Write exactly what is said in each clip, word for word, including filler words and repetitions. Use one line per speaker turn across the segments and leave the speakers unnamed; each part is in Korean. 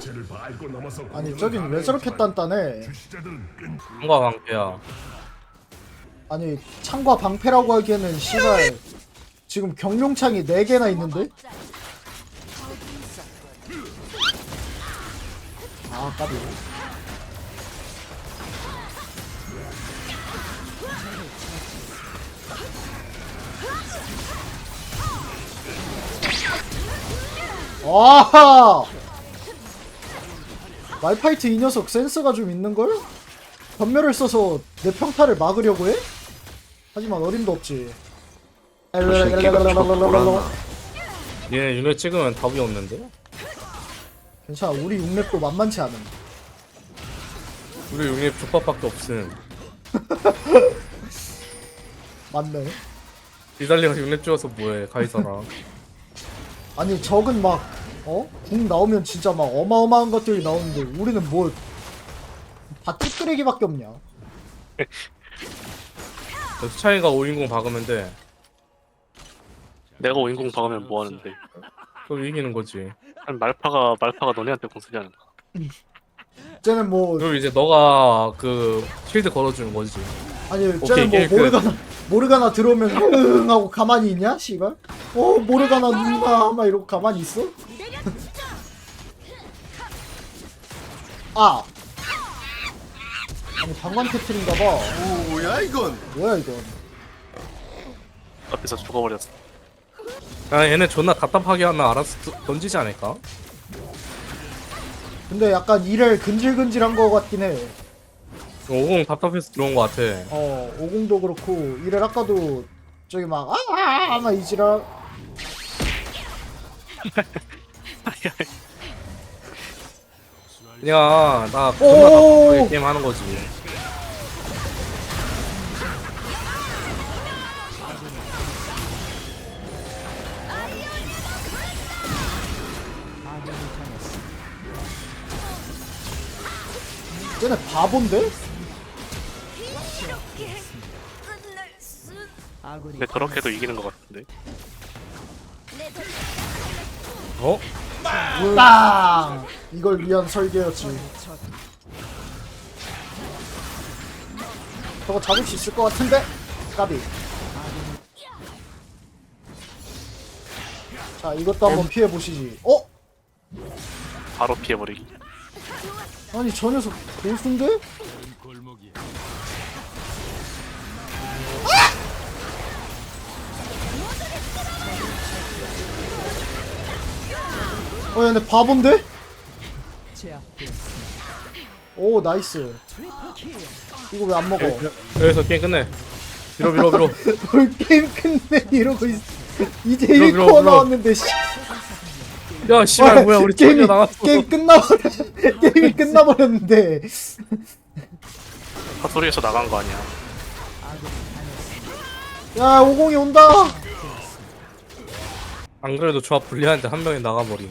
아니 저긴 왜 저렇게 단단해?
뭔가 방패야.
아니 창과 방패라고 하기에는 씨발 지금 경룡창이 네 개나 있는데? 아 까비. 와하! 말파이트 이 녀석 센스가 좀 있는걸? 전멸을 써서 내 평타를 막으려고 해? 하지만 어림도 없지.
얘네 윤회 찍으면 답이 없는데?
괜찮아, 우리 육렙도 만만치 않음.
우리 윤회 족밥밖에 없음.
맞네.
이달리가 윤회 찍어서 뭐해 카이사랑.
아니 적은 막 어? 궁 나오면 진짜 막 어마어마한 것들이 나오는데 우리는 뭐 다 찌끄레기밖에 없냐.
수차이가 오인공 박으면 돼.
내가 오인공 박으면 뭐 하는데?
그럼 이기는 거지.
아니, 말파가 말파가 너네한테 공 쓰지 않을까?
쟤는 뭐
그리고 이제 너가 그 쉴드 걸어주는 거지.
아니
오케이,
쟤는 뭐
게임 끝.
모르가나 모르가나 들어오면 흥 하고 가만히 있냐 씨발? 어 모르가나 누나 막 이러고 가만히 있어? 아 아니 방관 패틀인가봐.
뭐야 이건?
뭐야 이건?
앞에서 죽어버렸어.
아 얘네 존나 답답하게 하면 알아서 드- 던지지 않을까?
근데 약간 이를 근질근질한 거 같긴 해.
오공 답답해서 들어온 거 같아.
어 오공도 그렇고 이를 아까도 저기 막 아아아 막 이지라.
그냥 나 존나
오!
답답하게 게임 하는 거지.
쟤네 바본데?
근데 저렇게도 이기는 것 같은데.
어?
빵! 이걸 위한 설계였지. 저거 잡을 수 있을 것 같은데? 까비. 자, 이것도 한번 피해보시지. 어?
바로 피해버리기.
아니, 저 녀석 고수인데? 어, 얘네 바본데? 오, 나이스. 이거 왜 안 먹어?
여기서 게임 끝내. 밀어 밀어 밀어.
뭘 게임 끝내 이러고 있어. 이제
밀어,
일
밀어,
코어
밀어.
나왔는데 씨.
야 씨발 뭐야 우리
게임이
팀이 나갔어.
게임 끝나버렸 게임이 끝나버렸는데.
사소리에서 나간 거 아니야.
야 오공이 온다.
안 그래도 조합 불리한데 한 명이 나가버림.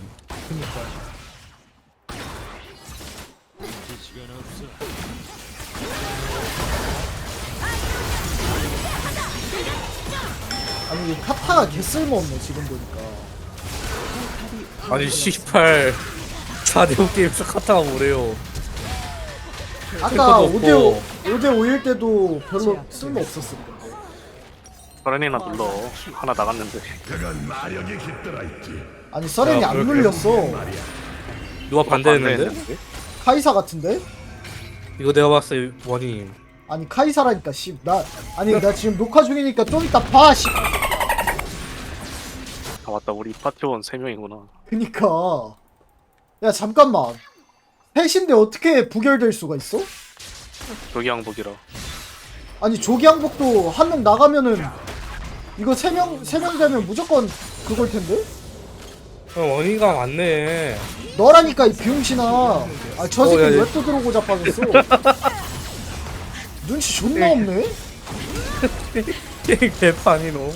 아니 이 카타가 개 쓸모없네 지금 보니까.
아니 씨발 사 대 오 게임에서 카타가 뭐래요.
아까
탱커도
오 대 오
없고.
오 대 오일 때도 별로 쓸모 없었을 건데.
서렌이나 눌러. 하나 나갔는데.
아니 서렌이
야,
안
그렇게.
눌렸어.
누가 반대했는데?
카이사 같은데?
이거 내가 봤을 때 원인.
아니 카이사라니까 씨. 나 아니 나 지금 녹화 중이니까 좀 이따 봐 씨.
아 맞다. 우리 파티원 세 명이구나.
그니까. 야 잠깐만. 셋인데 어떻게 부결될 수가 있어?
여기 항복이라.
아니 조기항복도 한 명 나가면은 이거 세 명 세 명 되면 무조건 그걸 텐데?
형 원인가 맞네.
너라니까 이 비용신아. 아 저 새끼
어, 야, 야.
왜 또 들어오고 자빠졌어? 눈치 존나 없네.
게임 개판이 너.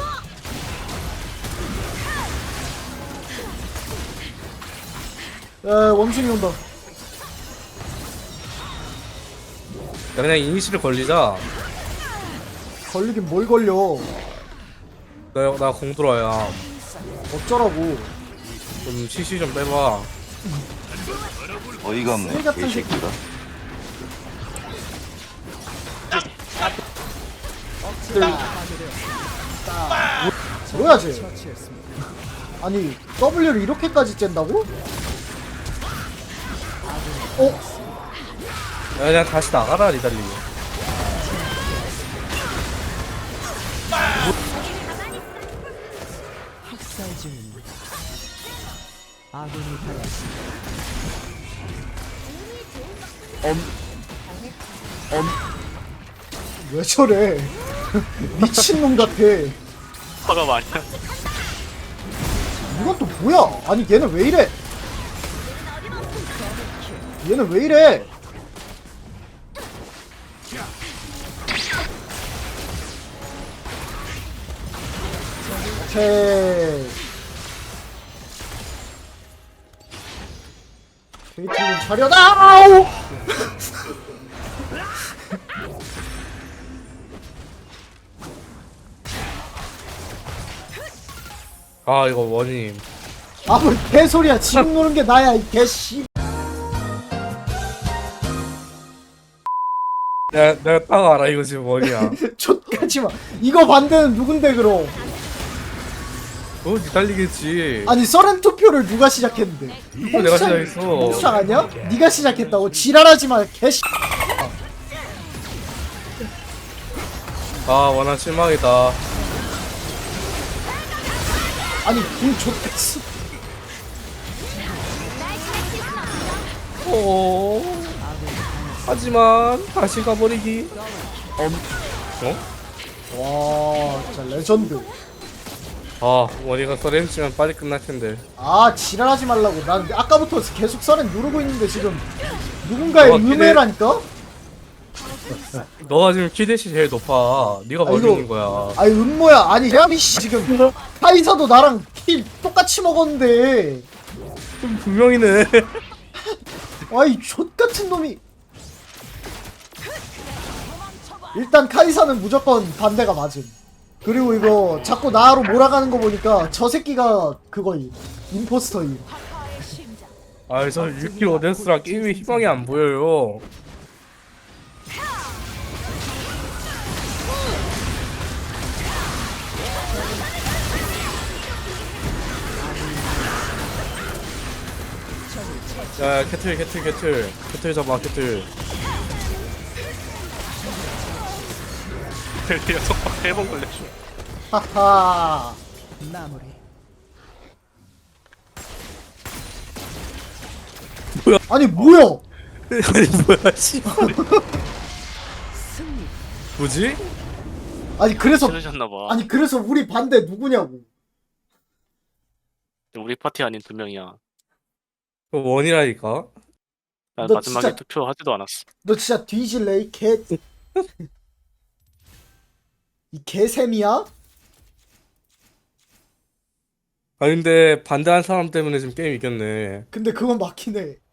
야 원숭이 온다.
야 그냥 이니시를 걸리자.
걸리긴 뭘 걸려.
나 나 공 들어야.
어쩌라고.
좀 씨씨 좀 빼봐.
어이가
쓰레기
없네
같은
개새끼가.
뭐야 쟤? 아니 W를 이렇게까지 쨘다고? 어?
야, 그냥 다시 나가라 리달리.
학살 중입니다. 아군이 당했습니다.
왜 저래? 미친놈 같아.
화가 많이
이건 또 뭐야? 아니 얘는 왜 이래? 얘는 왜 이래? 오케이. 케이트린 차려다! 아우!
아 이거 원님.
아, 뭐 개소리야. 지금 노는 게 나야, 이 개씨.
내가 내가 딱 알아 이거 지금 원이야.
족같지 마. 이거 반대는 누군데, 그럼?
너 리달리겠지.
아니, 서렌 투표를 누가 시작했는데?
이거 내가 시작했어.
홍수창 아니야? 네가 시작했다고? 지랄하지 마, 개씨.
아 원한 실망이다.
아니, 궁 족같어.
오. 하지만 다시 가버리기. 어?
와, 진짜 레전드.
아 원이가 서렌치면 빨리 끝날 텐데.
아, 지랄하지 말라고. 난 아까부터 계속 서렌 누르고 있는데 지금 누군가의
어, 기대-
음해라니까?
너가 지금 키대시 제일 높아. 네가
아,
멀리
이거-
있는 거야.
아니, 음모야. 아니, 야미 씨 지금 카이사도 나랑 킬 똑같이 먹었는데.
좀 분명히네.
아이, 족같은 놈이. 일단 카이사는 무조건 반대가 맞음. 그리고 이거 자꾸 나로 몰아가는 거 보니까 저 새끼가 그거임. 임포스터임.
아저 육 킬 오데스랑 게임에 희망이 안 보여요. 야 캐틀 캐틀 캐틀 캐틀 잡아 캐틀.
녀석 세번 걸렸어.
하하.
마무리.
아니, 뭐야?
아니 뭐야 씨.
승리.
뭐지?
아니, 그래서,
싫으셨나봐.
아니, 그래서 우리 반대 누구냐고.
우리 파티 아닌 두 명이야.
그 원이라니까.
난
너
마지막에
진짜-
투표하지도 않았어.
너 진짜 뒤질래, 이 개. 이 개샘이야?
아 근데 반대한 사람 때문에 지금 게임 이겼네.
근데 그건 맞긴 해.